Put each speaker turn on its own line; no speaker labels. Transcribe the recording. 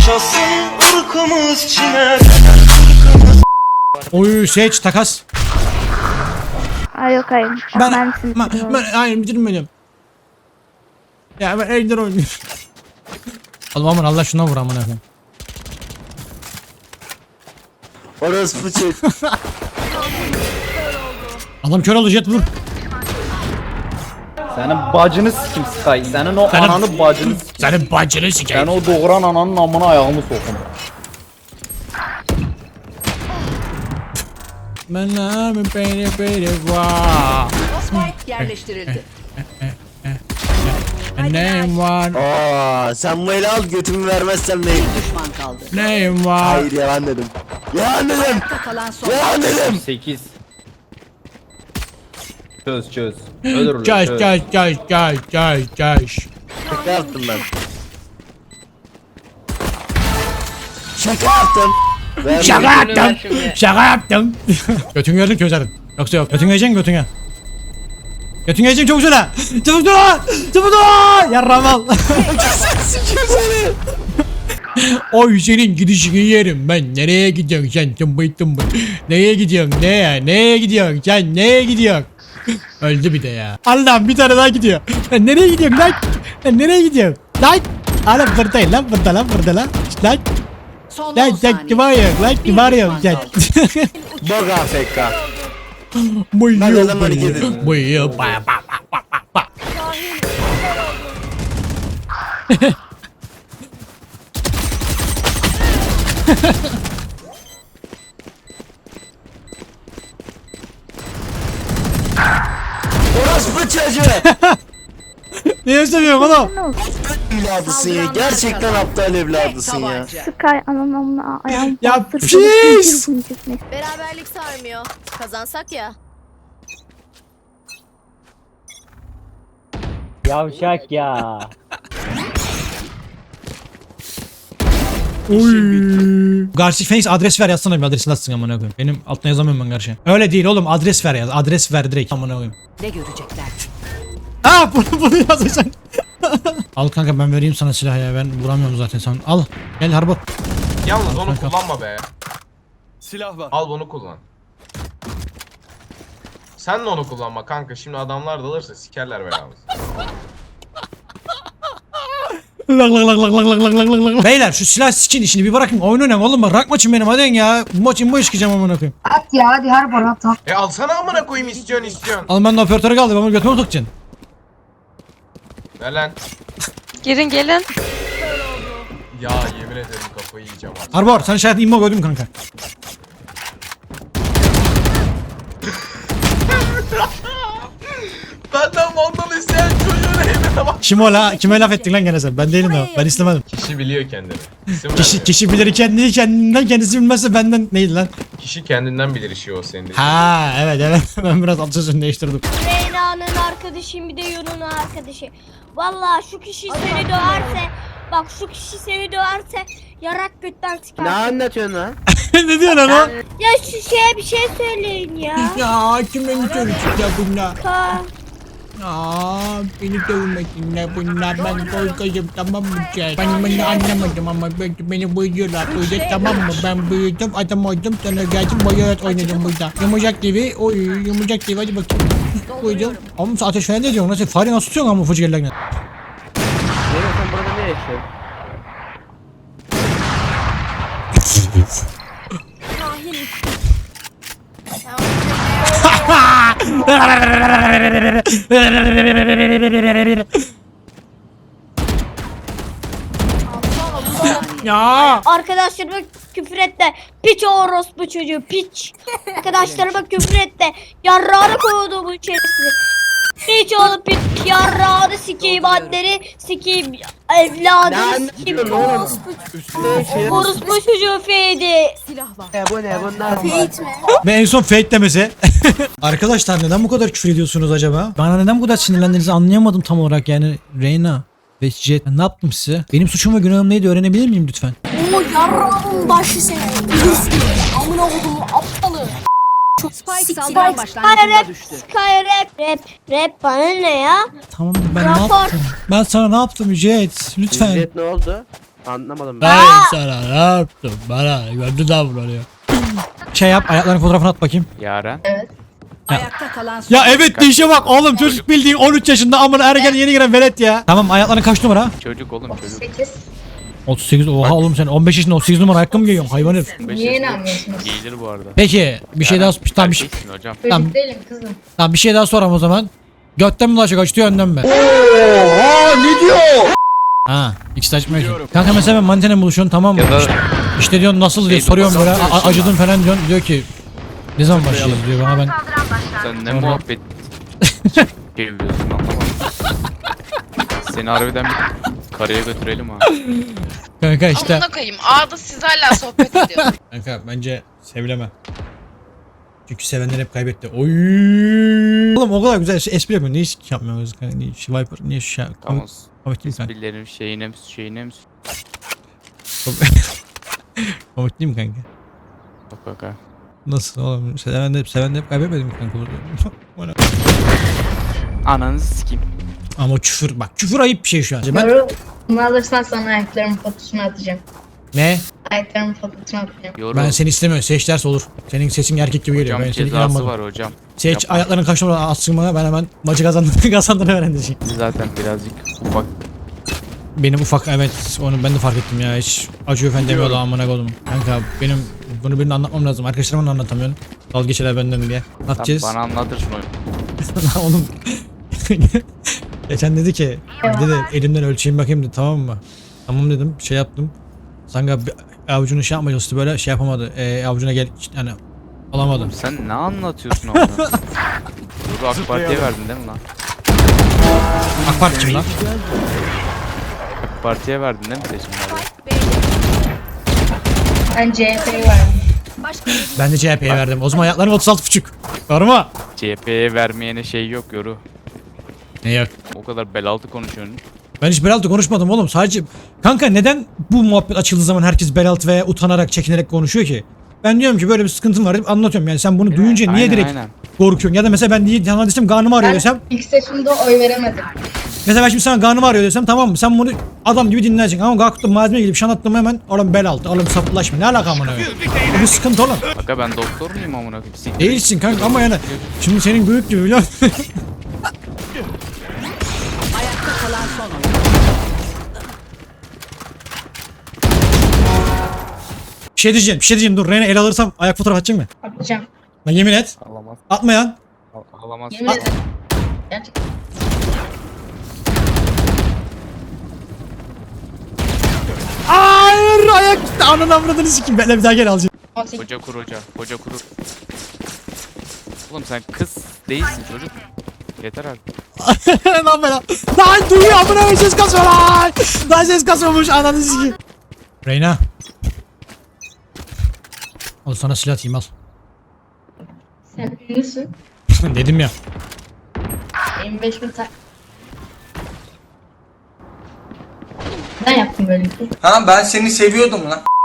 yaşasın ırkımız çiner.
Oy seç takas.
Ay yok hayır.
Ben
Sizin
hayır bitirmedim. Ya ben Ejder oynuyorum. Oğlum aman Allah şuna vur amına koyayım.
Orospu çocuk.
Adam kör oldu jet vur.
Senin bacını sikim Sky. Senin o
Senin-
ananı bacını sikim.
Senin bacını
Ben
sikeyim.
o doğuran ananın amına ayağımı sokun.
Ben abi beni vaa.
Spike yerleştirildi.
Neyim var?
Aa, sen bu eli al götümü vermezsem neyim?
Düşman kaldı.
Neyim var?
Hayır yalan dedim. Yalan dedim.
Ayakta kalan son.
Yalan dedim.
8. Çöz. Ölür
Caş
çöz.
caş.
Şaka yaptım ben. Şaka yaptım. Vermedim.
Şaka yaptım. Şaka yaptım. Götün gördün közerdin. Yoksa yok. Götün yiyeceksin götüne. Götün yiyeceksin çok güzel. Çabuk dur. Çabuk dur. Yarram al. Oy senin gidişini yerim ben. Nereye gidiyorsun sen tımbıy. Neye gidiyorsun neye gidiyorsun sen neye gidiyorsun? Öldü bir de ya. Allah'ım bir tane daha gidiyor. Lan nereye gidiyorsun lan? Lan nereye gidiyorsun? Lan. Lan buradayım lan burada lan. Lan.
Son
Lan
10
sen
saniye.
kim arıyorsun lan kim arıyorsun sen?
Bok AFK.
Buyur
Ben adam hareket edin.
buyur ba.
Orospu çocuğu.
Niye seviyorsun oğlum?
Evladısın ya. Gerçekten aptal evladısın ya.
Tabanca.
Sky anamla ayağım
Ya
bastırdı.
pis!
Beraberlik sarmıyor. Kazansak ya.
Yavşak ya.
Oy. Garsi Phoenix adres ver yazsana bir adresini atsın amına koyayım. Benim altına yazamıyorum ben karşı. Öyle değil oğlum adres ver yaz. Adres ver direkt amına koyayım.
Ne görecekler?
Ha bunu yazacaksın. Al kanka ben vereyim sana silah ya ben vuramıyorum zaten sen. Al gel Harbor.
Yalnız onu
Kanka.
kullanma be.
Silah var.
Al bunu kullan. Sen de onu kullanma kanka. Şimdi adamlar dalırsa sikerler belamızı.
Beyler şu silah sikin işini bir bırakın oyun oynayın oğlum bak rak maçım benim hadi ya. Bu maç imbo çıkacağım amına koyayım.
At ya hadi her bana at.
Alsana amına koyayım istiyorsun.
Al ben de operatörü kaldı ben bunu götüme sokacaksın.
Ver lan.
Gelin.
Ya yemin ederim kafayı yiyeceğim artık.
Harbor sen şayet imbo gördün kanka.
Benden vandal isteyen çocuğun evine bak.
Kime laf ettin lan gene sen? Ben değilim de ben istemedim.
Kişi biliyor kendini. İsim
Kişi bilir kendini kendinden kendisi bilmezse benden neydi lan?
Kişi kendinden bilir işi o senin.
Ha evet ben biraz alt sözünü değiştirdim.
Reyna'nın arkadaşım bir de Yunus'un arkadaşı. Vallahi şu kişi seni döverse, bak şu kişi seni döverse yarak götten çıkar.
Ne anlatıyorsun lan?
Ne diyorsun lan o?
Ya şu şeye bir şey söyleyin ya.
Ya kim beni söyleyecek ya bunlar?
Ka
Aa beni dövmesinler bunlar ben korkacağım tamam mı şey? Ben bunu anlamadım ama beni buyuruyorlar böyle tamam mı? Ben büyüdüm adam oldum sonra geldim boyarat oynadım burada. Yumuşak gibi oy yumuşak gibi hadi bakayım. Buyurdum. Ama sen ateş falan ne diyorsun? Nasıl fare nasıl tutuyorsun ama fıcıgerlerle?
Nereye sen burada ne yaşıyorsun?
Ya
arkadaşlarıma küfür et de piç orospu çocuğu piç. Arkadaşlarıma küfür et de yarrağını koydu bu içerisine. Piç oğlum piç yarrağını sikeyim anneni sikeyim evladını sikeyim orospu çocuğu feydi.
Bu ne bunlar?
ve en son fake demesi. Arkadaşlar neden bu kadar küfür ediyorsunuz acaba? Bana neden bu kadar sinirlendiğinizi anlayamadım tam olarak yani Reyna ve Jet ben ne yaptım size? Benim suçum ve günahım neydi öğrenebilir miyim lütfen?
O yarrağın başı seni. Amına kodumu aptalı.
Spike saldıran başlangıcında düştü.
Rap bana ne ya?
Tamam ben ne
Rapor.
yaptım? Ben sana ne yaptım Jet? Lütfen.
Jet ne oldu?
Anlamadım ben.
Ben sana ne yaptım bana gördü davranıyor. Şey yap ayaklarının fotoğrafını at bakayım.
Yaren.
Ayakta kalan son
Ya evet işe bak oğlum çocuk bildiğin 13 yaşında amına ergen yeni giren velet ya. Tamam ayakların kaç numara?
Çocuk oğlum çocuk.
8.
38 oha oğlum sen 15 yaşında 38 numara ayakkabı mı giyiyorsun hayvan herif.
Niye inanmıyorsunuz?
Giyilir bu arada.
Peki bir şey daha tamam,
Erkeksin hocam.
Tamam.
Çocuk değilim kızım.
tamam bir şey daha sorayım o zaman. Götten mi ulaşacak açtı önden mi?
Oha ne diyor?
Ha ikisi de açmıyor ki. Kanka mesela ben manitayla buluşuyorsun tamam mı?
Ya da
İşte diyorsun nasıl diye soruyorum böyle acıdın falan diyorsun diyor ki ne zaman başlayacağız diyor bana ben.
sen ne muhabbet çeviriyorsun anlamadım. Seni harbiden bir karaya götürelim ha.
Kanka işte.
Amına koyayım. Ağda siz hala sohbet ediyor.
Kanka bence sevileme. Çünkü sevenler hep kaybetti. Oy. Oğlum o kadar güzel espri yapıyor. Niye hiç yapmıyoruz kanka? Niye Viper niye şu an?
Tamam.
Komik değil mi kanka?
Birilerinin şeyine mi?
Komik değil mi kanka?
Bak ha.
Nasıl oğlum? Seven de hep kaybetmedi mi kanka? Bana-
Ananı sikeyim.
Ama küfür bak küfür ayıp bir şey şu an. Ben...
Doğru. Bunu alırsan sana ayaklarımın fotosunu atacağım.
Ne?
Ayaklarımın fotosunu atacağım.
Yorum.
Ben seni istemiyorum. Seç derse olur. Senin sesin erkek gibi geliyor.
Hocam
Ben seni
cezası
inanmadım.
var hocam.
Seç
Yapma.
ayaklarının kaç numara atsın bana ben hemen maçı kazandığını öğreneceğim.
Zaten birazcık ufak.
Benim ufak evet onu ben de fark ettim ya hiç acıyor fen demiyordu amına koydum. Kanka benim bunu birine anlatmam lazım. Arkadaşlarıma da anlatamıyorum. Dalga geçerler benden diye. Ne
Sen
yapacağız?
bana anlatırsın onu.
Oğlum. Geçen dedi ki dedi elimden ölçeyim bakayım dedi tamam mı? Tamam dedim şey yaptım. Sanka avucunu şey yapmaya çalıştı böyle şey yapamadı. Avucuna gel yani alamadı.
Oğlum sen ne anlatıyorsun orada? Dur AK Parti'ye verdin değil mi lan?
AK Parti kim lan?
AK Parti'ye verdin değil mi seçimlerde?
Ben CHP'yi verdim.
Ben de CHP'ye verdim. O zaman ayaklarım 36,5. Doğru mu?
CHP'ye vermeyene şey yok yoru.
Ne yok.
O kadar bel altı konuşuyorsun.
Ben hiç bel altı konuşmadım oğlum. Sadece kanka neden bu muhabbet açıldığı zaman herkes bel altı veya utanarak, çekinerek konuşuyor ki? Ben diyorum ki böyle bir sıkıntım var deyip anlatıyorum. Yani sen bunu duyunca niye
Aynen,
direkt
aynen.
korkuyorsun? Ya da mesela ben diye sana desem karnım ağrıyor
Ben
desem.
ilk seçimde oy veremedim.
Mesela ben şimdi sana karnım ağrıyor desem tamam mı? Sen bunu adam gibi dinleyeceksin. Ama kalktım malzeme gidip şan attım hemen. Oğlum bel altı. Oğlum saplaşma. Ne alaka amına koyayım? Bu bir sıkıntı oğlum.
Kanka ben doktor muyum amına koyayım? Siktir.
Değilsin kanka ama yani. Şimdi senin büyük gibi biliyor musun?
ayakta kalan son oyun.
Bir şey diyeceğim dur. Reyna el alırsam ayak fotoğrafı atacak mı?
Atacağım.
Lan yemin et.
Alamaz.
Atma ya.
Alamaz.
Yemin ederim. Gerçekten.
Hayır ayak gitti. Ananı avradını sikeyim. Benle bir daha gel alacağım.
18.
Hoca kur hoca. Hoca kur. Oğlum sen kız değilsin çocuk. Yeter artık.
Lan ben lan duyuyor amına koyayım ses kasıyor lan. Lan ses kasıyormuş ananı sikeyim. Reyna. Al sana silah atayım al.
Sen ünlüsün.
Dedim ya.
25.000 Ben yaptım böyle bir şey.
Ha ben seni seviyordum lan.